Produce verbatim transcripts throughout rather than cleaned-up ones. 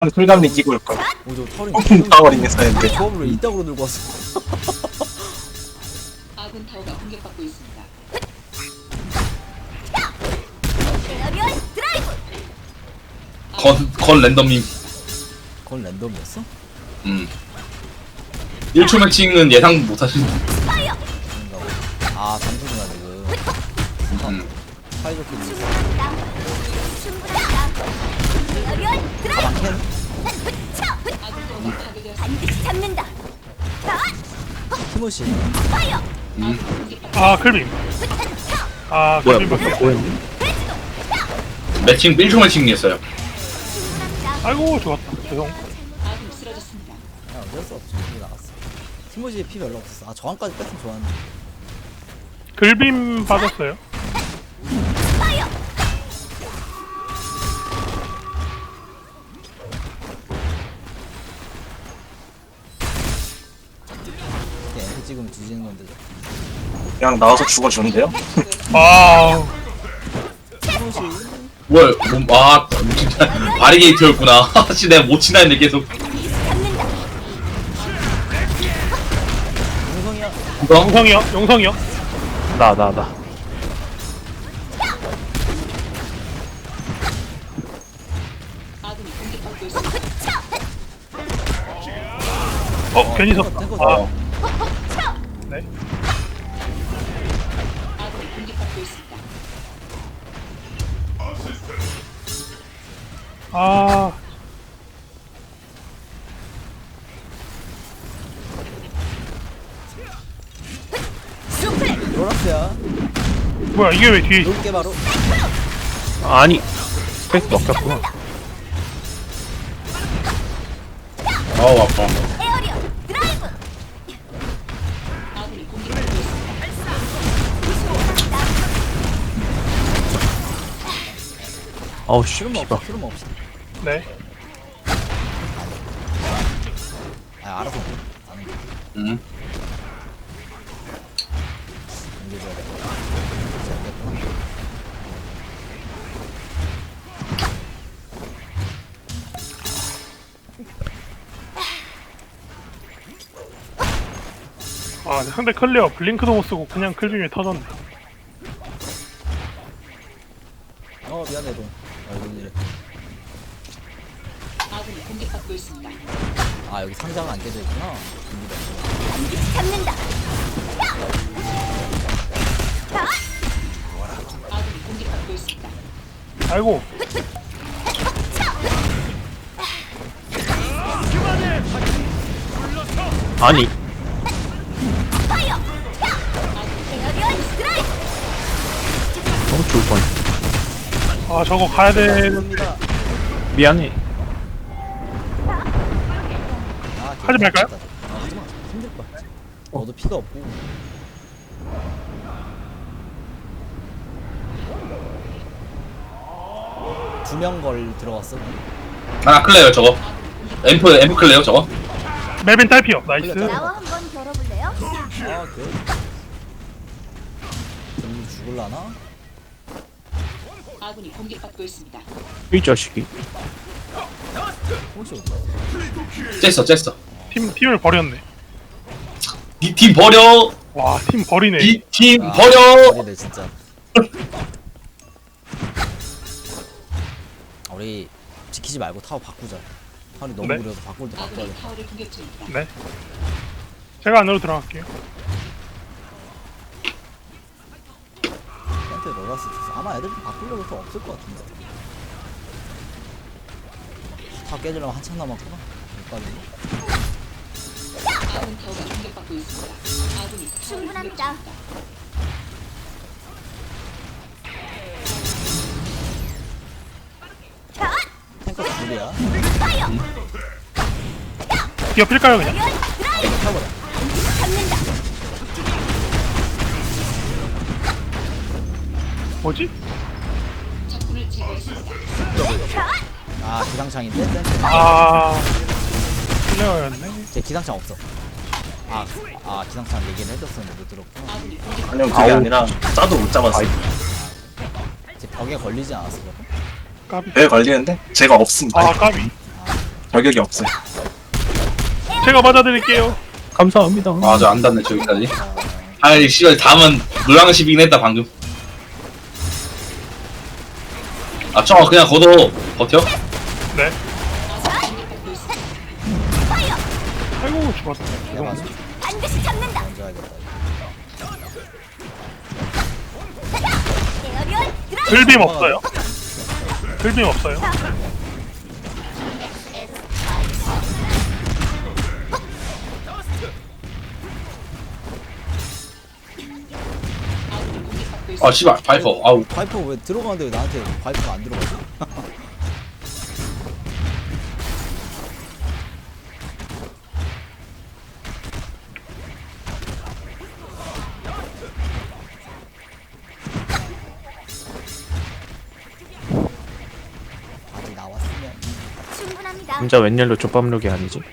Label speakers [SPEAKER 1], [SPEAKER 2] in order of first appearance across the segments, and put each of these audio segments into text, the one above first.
[SPEAKER 1] 풀감리 끼고 올걸.
[SPEAKER 2] 오, 저 털이
[SPEAKER 1] 타워링 했었는데.
[SPEAKER 2] 조합을 왜 이따구로 들고 왔어?
[SPEAKER 3] 아군 타워가 공격받고 있습니다.
[SPEAKER 4] 건, 건 랜덤님.
[SPEAKER 2] 그건 랜덤이었어?
[SPEAKER 4] 음. 일 초 매칭은 예상 못하신.
[SPEAKER 2] 그런가 봐. 아, 잠수구나 지금.
[SPEAKER 4] 음.
[SPEAKER 2] 사이좋게 가방 캔?
[SPEAKER 3] 아군 타워가 파괴되었습니다.
[SPEAKER 5] 반드시 잡는다.
[SPEAKER 2] 티모시.
[SPEAKER 4] 음.
[SPEAKER 6] 아 클빔. 아
[SPEAKER 7] 뭐야,
[SPEAKER 6] 클빔
[SPEAKER 7] 뭐,
[SPEAKER 6] 밖에.
[SPEAKER 7] 뭐였니?
[SPEAKER 4] 매칭 일 초 매칭이었어요.
[SPEAKER 6] 아이고 좋았다. 죄송.
[SPEAKER 3] 아군이 쓰러졌습니다.
[SPEAKER 2] 야, 어쩔 수 없지. 이게 나갔어. 티모시의 피 별로 없었어. 아, 저항까지 뺐으면 좋았는데.
[SPEAKER 6] 글빔 받았어요.
[SPEAKER 2] 이렇게 엠피 찍으면 뒤지는 건데.
[SPEAKER 1] 그냥 나와서 죽어주는데요?
[SPEAKER 6] 아
[SPEAKER 2] 티모시.
[SPEAKER 4] 뭘, 뭐, 아, 진짜, 바리게이트였구나. 씨, 내가 못 치나 했는데 계속.
[SPEAKER 2] 용성이야.
[SPEAKER 4] 이거?
[SPEAKER 6] 용성이요. 용성이요.
[SPEAKER 7] 나, 나, 나.
[SPEAKER 3] 아군이 공격받고 있습니다.
[SPEAKER 6] 어 괜히 섰다.
[SPEAKER 2] 탱커
[SPEAKER 6] 아
[SPEAKER 2] 아.
[SPEAKER 6] 네.
[SPEAKER 3] 아군이 공격받고 있습니다.
[SPEAKER 6] 아
[SPEAKER 2] 로라스야.
[SPEAKER 6] 뭐야 이게 왜 뒤에 있어?
[SPEAKER 2] 놀게 바로.
[SPEAKER 7] 아니, 스페이스 먹혔구나.
[SPEAKER 4] 아우, 아파.
[SPEAKER 5] 에어리어 드라이브.
[SPEAKER 3] 아군이 공격받고 있습니다.
[SPEAKER 7] 아우, 씨,
[SPEAKER 2] 트루머
[SPEAKER 7] 씨발.
[SPEAKER 2] 없어. 트루머 없어.
[SPEAKER 6] 네.
[SPEAKER 2] 아, 알아서. 나는
[SPEAKER 4] 음.
[SPEAKER 2] 옮겨줘야 돼.
[SPEAKER 6] 아 상대 클리어 블링크도 못 쓰고 그냥 클빔이 터졌네.
[SPEAKER 2] 어, 미안해, 동. 아, 이거 이래.
[SPEAKER 3] 아군이 공격받고 있습니다.
[SPEAKER 2] 아, 여기 상자가 안 깨져 있구나. 준비가.
[SPEAKER 5] 반드시 잡는다.
[SPEAKER 3] 아군이 공격받고 있습니다.
[SPEAKER 6] 아이고
[SPEAKER 7] 아니,
[SPEAKER 5] 파이어. 에어리어 드라이브.
[SPEAKER 7] 너무 좋을 뻔.
[SPEAKER 6] 아 저거 가야 되는.
[SPEAKER 2] 갑니다.
[SPEAKER 7] 미안해.
[SPEAKER 2] 아,
[SPEAKER 6] 하지 말까요?
[SPEAKER 2] 아, 하지마. 힘들 거야. 너도 피가 없고. 두 명 걸 들어갔어.
[SPEAKER 4] 하나 클레어요, 저거. 앰프, 앰프 클레어, 저거.
[SPEAKER 6] 멜빈 딸피요. 나이스.
[SPEAKER 5] 나와 한번 겨뤄볼래요?
[SPEAKER 2] 아, 그래. 좀 죽을라나?
[SPEAKER 3] 아군이 공격받고 있습니다.
[SPEAKER 7] 이 자식이.
[SPEAKER 2] 혹시 어디?
[SPEAKER 4] 쬐어, 쬐어.
[SPEAKER 6] 팀 팀을 버렸네.
[SPEAKER 4] 니 팀 버려!
[SPEAKER 6] 와 팀 버리네.
[SPEAKER 4] 니 팀
[SPEAKER 2] 아,
[SPEAKER 4] 버려!
[SPEAKER 2] 버리네 진짜. 아, 우리 지키지 말고 타워 바꾸자. 타워이 너무
[SPEAKER 6] 네.
[SPEAKER 2] 무려서 바꿀 때 바꿔야
[SPEAKER 3] 아군이
[SPEAKER 2] 돼.
[SPEAKER 3] 타워를 공격 중입니다.
[SPEAKER 6] 네. 제가 안으로 들어갈게요.
[SPEAKER 2] 한테 로라스 있어서 아마 애들 좀 바꾸려고 또 없을 것 같은데. 다 깨지려면 한참 남았구나. 여기까지.
[SPEAKER 3] 아군 타워가 공격받고 있습니다. 아군이 타워를 공격
[SPEAKER 5] 충분합니다.
[SPEAKER 3] 중입니다.
[SPEAKER 2] 탱커 둘이야.
[SPEAKER 5] 파이어.
[SPEAKER 6] 뛰어필까요 그냥?
[SPEAKER 5] 에어리어 드라이브.
[SPEAKER 2] 타버려.
[SPEAKER 5] 잡는다.
[SPEAKER 6] 뭐지?
[SPEAKER 3] 적군을 제거했습니다.
[SPEAKER 2] 아, 기상창인데? 센스.
[SPEAKER 6] 아 클레어였네.
[SPEAKER 2] 제 기상창 없어. 아, 아 기상창 얘기를 해줬었는데 못 들었구나.
[SPEAKER 3] 아군이 공격
[SPEAKER 1] 아니요 그게 아니라 짜도 못 잡았어요.
[SPEAKER 2] 제 벽에 걸리지 않았어. 그거?
[SPEAKER 6] 까비.
[SPEAKER 1] 배 걸리는데 제가 없습니다.
[SPEAKER 6] 아 까비.
[SPEAKER 2] 아,
[SPEAKER 1] 저격이 없어요.
[SPEAKER 6] 제가 맞아드릴게요.
[SPEAKER 7] 감사합니다.
[SPEAKER 4] 아 저 안 닿네 저기까지. 아이 씨발 다음은 노량십이긴 했다 방금. 아 청아 그냥 걷어 버텨?
[SPEAKER 6] 네.
[SPEAKER 5] 파이어.
[SPEAKER 6] 아이고 죽었다.
[SPEAKER 2] 내가
[SPEAKER 6] 죄송합니다.
[SPEAKER 5] 반드시 잡는다.
[SPEAKER 2] 먼저 하겠다.
[SPEAKER 5] 에어리얼 드라이브.
[SPEAKER 6] 글빔 없어요. 글빔 없어요.
[SPEAKER 4] 아 씨발 바이퍼 아우.
[SPEAKER 2] 파이퍼 왜 들어가는데 왜 나한테 파이퍼가 안 들어가지? 아직 나왔으면
[SPEAKER 5] 충분합니다.
[SPEAKER 7] 진짜 웬일로 족밥룩이 아니지?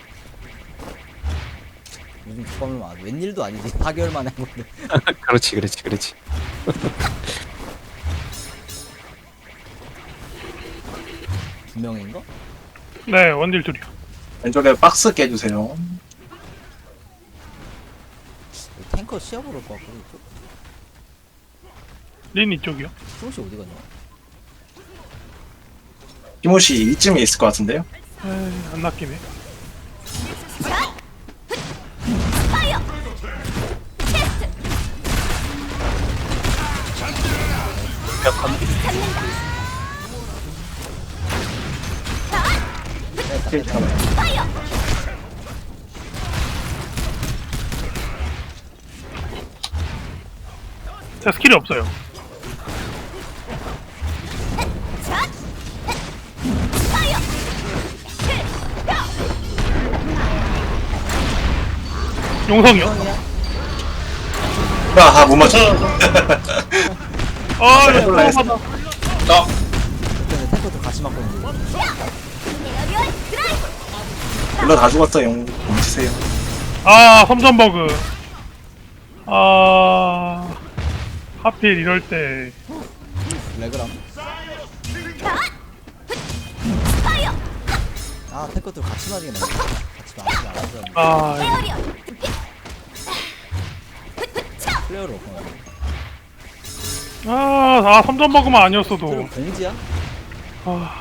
[SPEAKER 2] 요즘 주방을 안 웬일도 아니지. 사 개월 만에 한 건데.
[SPEAKER 7] 그렇지 그렇지 그렇지.
[SPEAKER 2] 두 명인가?
[SPEAKER 6] 네, 원딜 둘이요.
[SPEAKER 1] 왼쪽에 박스 깨주세요.
[SPEAKER 2] 탱커 시합으로 올것 같고 이쪽?
[SPEAKER 6] 린 이쪽이요.
[SPEAKER 2] 조금씩 어디 갔냐?
[SPEAKER 1] 티모시 이쯤에 있을 것 같은데요?
[SPEAKER 6] 에이, 안 낚이네.
[SPEAKER 5] 파이어. 파이어.
[SPEAKER 6] 제가 스킬이 없어요.
[SPEAKER 5] 샷. 파이어.
[SPEAKER 6] 용성이요.
[SPEAKER 1] 아, 못 맞춰.
[SPEAKER 6] 아, 이거
[SPEAKER 1] 몰라 했어.
[SPEAKER 6] 받아.
[SPEAKER 4] 나
[SPEAKER 2] 그때는 탱커도 같이 맞고 있는데.
[SPEAKER 5] 에어리얼 드라이브.
[SPEAKER 1] 물론 다 죽었어요. 멈추세요.
[SPEAKER 6] 아, 섬전 버그. 아, 하필 이럴 때.
[SPEAKER 2] 레그람.
[SPEAKER 5] 파이어.
[SPEAKER 2] 아 탱커들 같이 맞이게 나네. 같이 맞지 않았어.
[SPEAKER 6] 아,
[SPEAKER 5] 에어리얼.
[SPEAKER 2] 플레이어를 없구나.
[SPEAKER 6] 아, 아 섬전 버그만 아니었어도.
[SPEAKER 2] 그럼 공지야?
[SPEAKER 6] 아,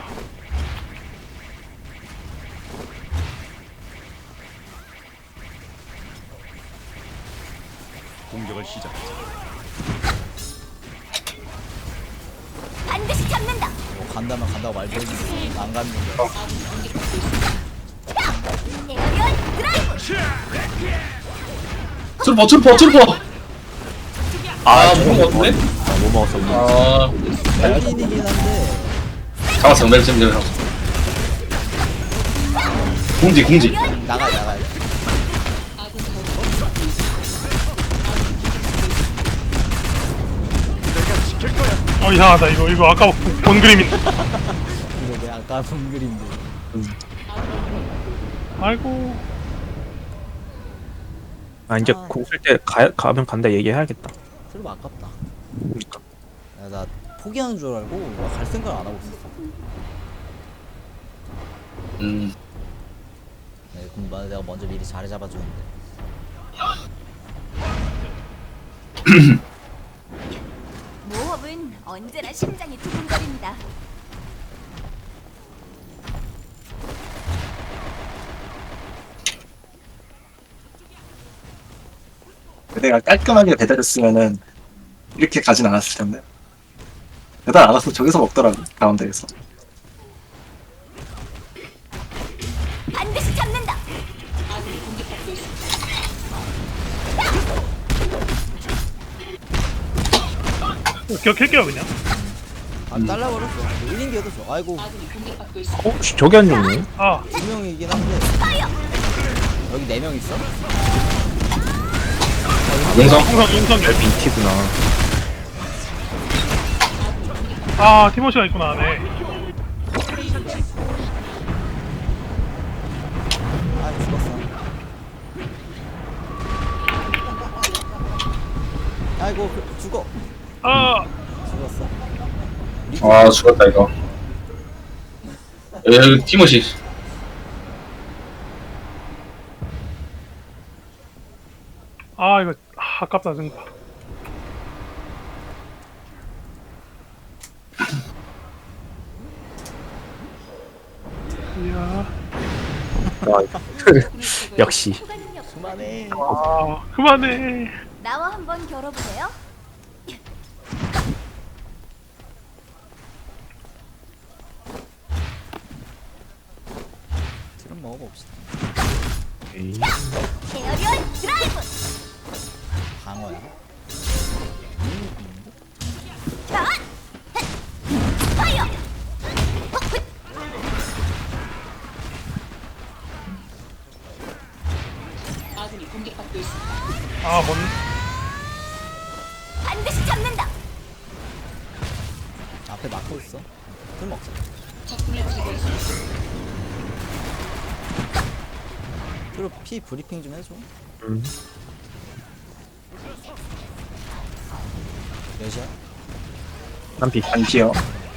[SPEAKER 5] 반드시 잡는다.
[SPEAKER 2] 뭐 간다면 간다고 말도 했는데 안 갔는데.
[SPEAKER 5] 에어리얼 드라이브.
[SPEAKER 4] 트루퍼 트루퍼 트루퍼. 아
[SPEAKER 7] 저거
[SPEAKER 4] 무슨 거 같은데?
[SPEAKER 7] 아, 뭐 먹었어 뭐.
[SPEAKER 4] 아
[SPEAKER 2] 멜린이긴 한데
[SPEAKER 4] 잡았어 멜 지금 잡았어. 공지 공지.
[SPEAKER 2] 나가야 나가야.
[SPEAKER 6] 어 이상하다. 이거 이거 아까 본, 본 그림인데.
[SPEAKER 2] 이거 내 아까 본 그림들.
[SPEAKER 6] 아이고.
[SPEAKER 7] 아 이제
[SPEAKER 2] 아.
[SPEAKER 7] 공 쓸 때 가면 간다 얘기해야겠다.
[SPEAKER 2] 설마 아깝다.
[SPEAKER 7] 그러니까.
[SPEAKER 2] 야, 나 포기하는 줄 알고 와, 갈 생각 안 하고 있었어.
[SPEAKER 4] 음
[SPEAKER 2] 네, 그럼 나- 내가 먼저 미리 자리 잡아주는데.
[SPEAKER 5] 모험은 언제나 심장이 두근거립니다.
[SPEAKER 1] 내가 깔끔하게 배달했으면은 이렇게 가진 않았을 텐데. 배달 안 와서 저기서 먹더라고, 가운데에서.
[SPEAKER 5] 반드시 잡는다.
[SPEAKER 3] 아군이 공격받고 있습니다.
[SPEAKER 6] 기억할게요 그냥.
[SPEAKER 2] 아 잘라버렸어. 일 인 기어도 좋아. 아이고
[SPEAKER 3] 아군이 공격받고 있습니다.
[SPEAKER 7] 어? 씨, 저기 안 죽네?
[SPEAKER 6] 아,
[SPEAKER 2] 두 명이긴 한데 여기 네 명 있어?
[SPEAKER 4] 용성.
[SPEAKER 6] 용성 용성.
[SPEAKER 7] 빈티구나.
[SPEAKER 6] 아, 티모시가 있구나. 네.
[SPEAKER 2] 아 죽었어. 아이고 그, 죽어.
[SPEAKER 6] 아,
[SPEAKER 2] 죽었어.
[SPEAKER 4] 아 죽었다 이거. 여기 티모시.
[SPEAKER 6] 아 이거 아, 아깝다 생각. 이야.
[SPEAKER 7] 역시.
[SPEAKER 2] 그만해.
[SPEAKER 6] 아 그만해.
[SPEAKER 5] 나와 한번 겨뤄보세요.
[SPEAKER 2] 지금 먹어봅시다.
[SPEAKER 7] 에이.
[SPEAKER 5] 에어리얼 드라이브.
[SPEAKER 2] 방어야.
[SPEAKER 5] 자, 파이어.
[SPEAKER 3] 아군이 공격받고 있습니다.
[SPEAKER 6] 아 뭔?
[SPEAKER 5] 반드시 잡는다.
[SPEAKER 2] 앞에 막고 있어. 술 먹자.
[SPEAKER 3] 적군을 제거했습니다.
[SPEAKER 2] 그리고 피 브리핑 좀 해줘.
[SPEAKER 7] 음.
[SPEAKER 2] 몇이야?
[SPEAKER 7] 한피.
[SPEAKER 1] 안피요.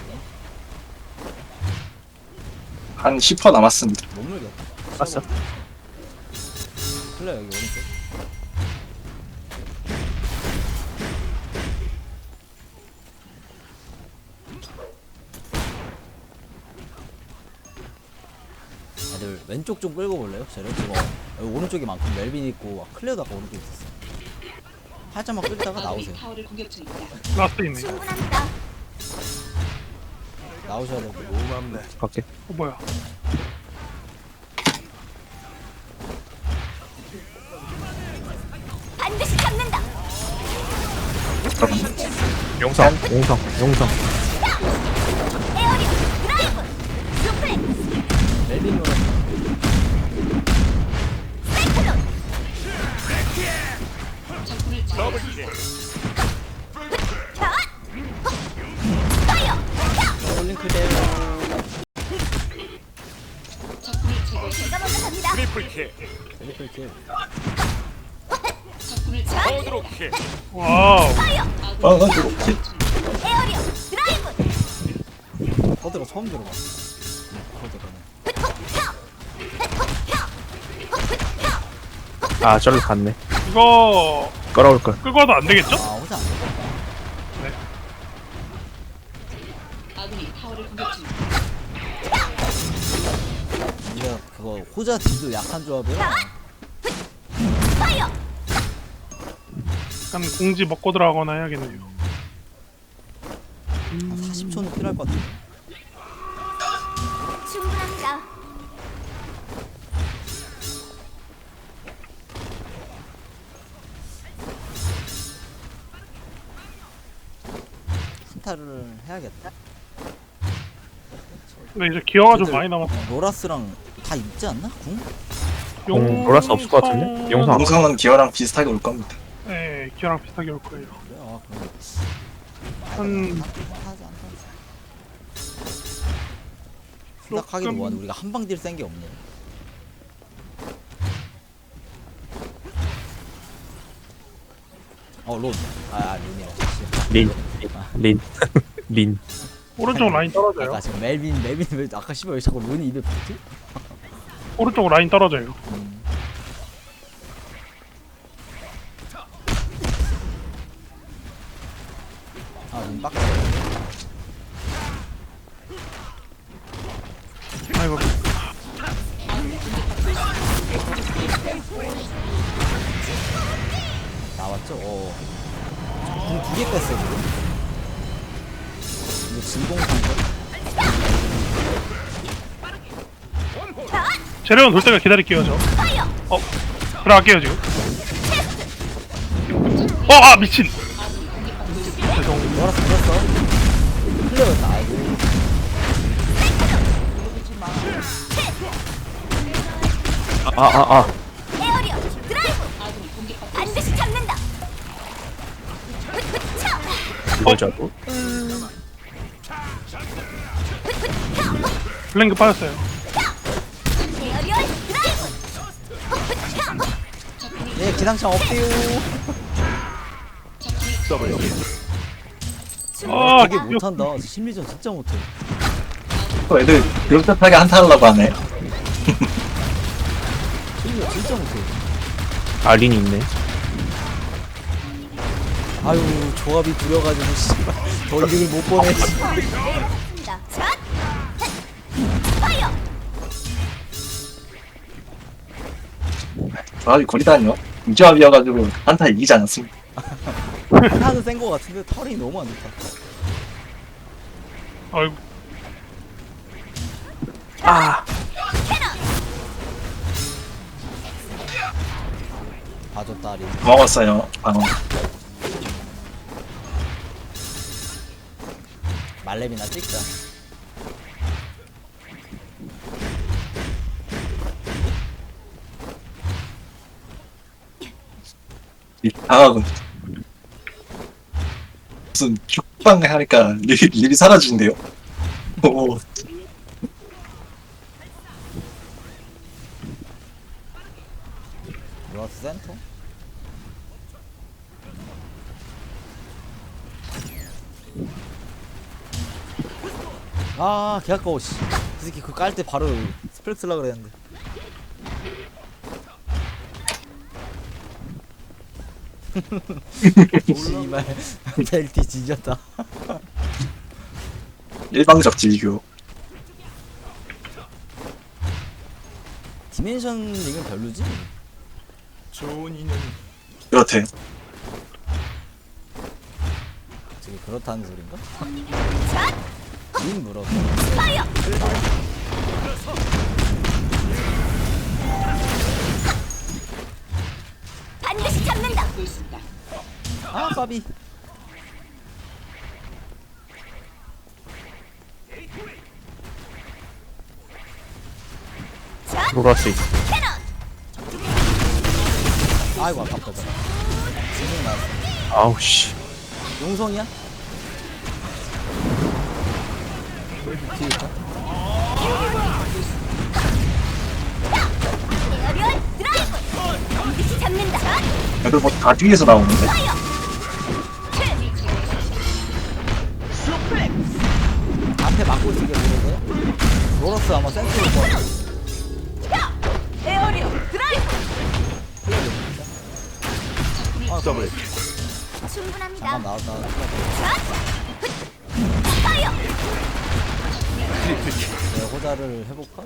[SPEAKER 1] 한 십 퍼센트 남았습니다.
[SPEAKER 2] 못 물겠다.
[SPEAKER 7] 봤어?
[SPEAKER 2] 플레 여기 오른쪽. 애들 왼쪽 좀 끌고 볼래요? 쟤를 지금 여기 오른쪽에 많고 멜빈 있고 막 클레어도 아까 오른쪽에 있었어. 살짝만 끌다가
[SPEAKER 3] 아군이
[SPEAKER 2] 나오세요.
[SPEAKER 3] 타워를 공격 중입니다.
[SPEAKER 6] 라스트 있네.
[SPEAKER 5] 충분합니다.
[SPEAKER 2] 나오셔야 되고.
[SPEAKER 7] 갈게.
[SPEAKER 6] 어 뭐야?
[SPEAKER 5] 반드시 잡는다.
[SPEAKER 7] 용성. 용성. 용성.
[SPEAKER 5] 에어리얼 드라이브. 수플렉스.
[SPEAKER 2] 멜빈 노래.
[SPEAKER 5] 사이클론.
[SPEAKER 3] 적군을 제거했습니다.
[SPEAKER 5] 자, 파이어.
[SPEAKER 2] 올린 클레어.
[SPEAKER 3] 적군을 제거했습니다.
[SPEAKER 5] 제가 먼저 갑니다.
[SPEAKER 2] 트리플 킬.
[SPEAKER 3] 적군을 제거했습니다.
[SPEAKER 6] 와우.
[SPEAKER 5] 파이어.
[SPEAKER 1] 어, 어, 이거 키-
[SPEAKER 5] 에어리얼 드라이브.
[SPEAKER 2] 커드가 처음 들어봐. 커드가는.
[SPEAKER 7] 아 저로 갔네.
[SPEAKER 6] 이거
[SPEAKER 7] 끌어올 걸.
[SPEAKER 6] 끌고 와도 안 되겠죠?
[SPEAKER 2] 아 호자 안 돼.
[SPEAKER 3] 아군이 타워를 공격 중입니다.
[SPEAKER 2] 우리가 그거 호자 딜도 약한 조합이야.
[SPEAKER 5] 파이어.
[SPEAKER 6] 약간 공지 먹고 들어가거나 해야겠네요.
[SPEAKER 2] 한 사십 초는 필요할 것 같아.
[SPEAKER 5] 충분합니다.
[SPEAKER 2] 한타를 해야겠다.
[SPEAKER 6] 근데 이제 기어가 좀
[SPEAKER 2] 애들-
[SPEAKER 6] 많이 남았어.
[SPEAKER 2] 로라스랑 다 있지 않나? 궁?
[SPEAKER 7] 공 놀랄 수 없을 것 같은데? 용성 안
[SPEAKER 1] 용성은 기어랑 비슷하게 올 겁니다.
[SPEAKER 6] 네, 기어랑 비슷하게 올 거예요.
[SPEAKER 2] 그래? 아 그럼
[SPEAKER 6] 한
[SPEAKER 2] 하지 않다. 생각하기도 뭐하네. 우리가 한방 딜 센 게 없네. 어 론. 아 론이라.
[SPEAKER 7] 린. 린. 린.
[SPEAKER 6] 오른쪽 라인 떨어져요.
[SPEAKER 2] 아까 지금 멜빈 멜빈 왜 아까 씨발 왜 자꾸 론이 입에 붙지?
[SPEAKER 6] 오른쪽 라인 떨어져요.
[SPEAKER 2] 음. 아론 빡.
[SPEAKER 6] 아이고.
[SPEAKER 2] 나왔죠? 어. 궁두개 뺐어 지금. 이거 진공 상태.
[SPEAKER 6] 재료는 돌 때가 기다릴게요 저.
[SPEAKER 5] 파이어.
[SPEAKER 6] 어 들어갈게요 지금. 어아 미친. 죄송.
[SPEAKER 2] 뭐라서 들었어? 클레어였다. 아이고.
[SPEAKER 7] 아 아 아.
[SPEAKER 5] 에어리얼 드라이브.
[SPEAKER 3] 아군이 공격받고
[SPEAKER 5] 반드시 잡는다.
[SPEAKER 7] 이걸 잡고.
[SPEAKER 6] 블랭크 빠졌어요.
[SPEAKER 5] 에어리얼 드라이브.
[SPEAKER 2] 네 기상청 없대요.
[SPEAKER 6] 아
[SPEAKER 2] 되게 못한다. 심리전 진짜 못해.
[SPEAKER 1] 또 애들 비슷하게 한타 하려고 하네.
[SPEAKER 2] 심리전 진짜 못해.
[SPEAKER 7] 아 린이 있네.
[SPEAKER 2] 아유 조합이 구려가지고 씨발 더 이득을 못 보내.
[SPEAKER 5] 자, 자, 파이어.
[SPEAKER 1] 조합이 거리다니요. 이 조합이어가지고 한타 이기지 않았습니다.
[SPEAKER 2] 하나는 센 거 같은데 털이 너무 안 좋다.
[SPEAKER 6] 아이고
[SPEAKER 2] 봐줬다 리.
[SPEAKER 1] 고마웠어요. 방어.
[SPEAKER 2] 말렙이나 찍자.
[SPEAKER 1] 이 방어군. 무슨 죽방 하니까 립이, 립이 사라지는데요? 오,
[SPEAKER 2] 로라스 센터? 아, 개 아까워, 씨. 그 새끼 그거 깔 때 바로 스펠 쓰려고 그랬는데. 씨발, 벨티 진졌다.
[SPEAKER 1] 일방적 질교.
[SPEAKER 2] 디멘션 링은 별로지?
[SPEAKER 1] 그렇대.
[SPEAKER 2] 저게 그렇다는 소린가? 링 물어.
[SPEAKER 5] 파이어. 반드시 잡는다.
[SPEAKER 3] 하고 있습니다.
[SPEAKER 2] 아, 까비.
[SPEAKER 7] 로라스 있어.
[SPEAKER 5] 캐논.
[SPEAKER 2] 아이고, 아깝다. 저거. 지금 나왔어.
[SPEAKER 7] 아우 씨.
[SPEAKER 2] 용성이야? 뒤에 있다.
[SPEAKER 5] 에어리얼 드라이브. 반드시 잡는다. 자,
[SPEAKER 1] 그래도 뭐 다 뒤에서 나오는데?
[SPEAKER 5] 파이어.
[SPEAKER 2] 앞에 막고 있는 게 모르는데? 로러스 아마 센스일 거야.
[SPEAKER 5] 야, 에어리얼 드라이브.
[SPEAKER 2] 아, 더블.
[SPEAKER 5] 충분합니다.
[SPEAKER 2] 잠깐 나왔다.
[SPEAKER 5] 자, 파이어.
[SPEAKER 2] 내가 호자를 해볼까?